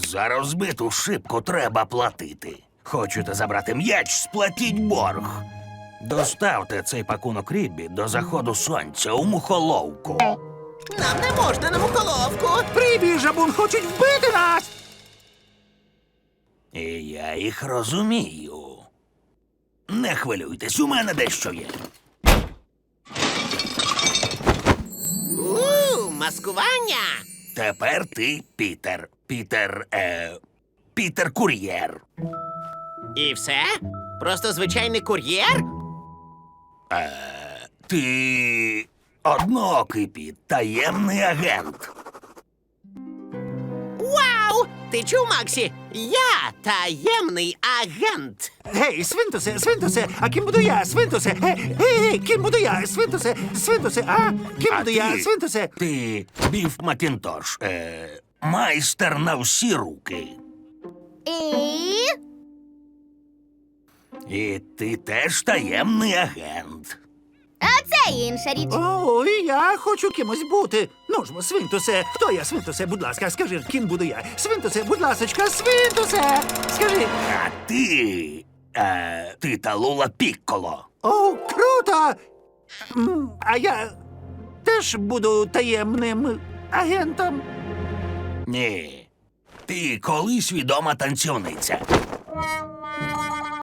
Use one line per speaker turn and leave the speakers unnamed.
За розбиту шибку треба платити. Хочете забрати м'яч, сплатіть борг. Доставте цей пакунок Ріббі до заходу сонця у мухоловку.
Нам не можна на мухоловку.
Ріббі, Жабун хочуть вбити нас!
І я їх розумію. Не хвилюйтесь, у мене дещо є.
Маскування.
Тепер ти Пітер. Пітер Кур'єр.
І все? Просто звичайний кур'єр?
Ти одноокий Піт, таємний агент.
Вау! Ти чув, Максі? Я таємний агент.
Гей, Свинтусе, а ким буду я, Свинтусе? Гей, ким буду я, Свинтусе, а? Ким буду я, Свинтусе?
Ти Біф Макінтош, майстер на всі руки. І ти теж таємний агент.
А це інша річ.
О, і я хочу кимось бути. Ну ж, Свинтусе, хто я, Свинтусе, будь ласка, скажи, ким буду я? Свинтусе, будь ласочка, Свинтусе, скажи.
А ти Талула Пікколо.
О, круто! А я теж буду таємним агентом.
Ні, ти колись відома танцівниця.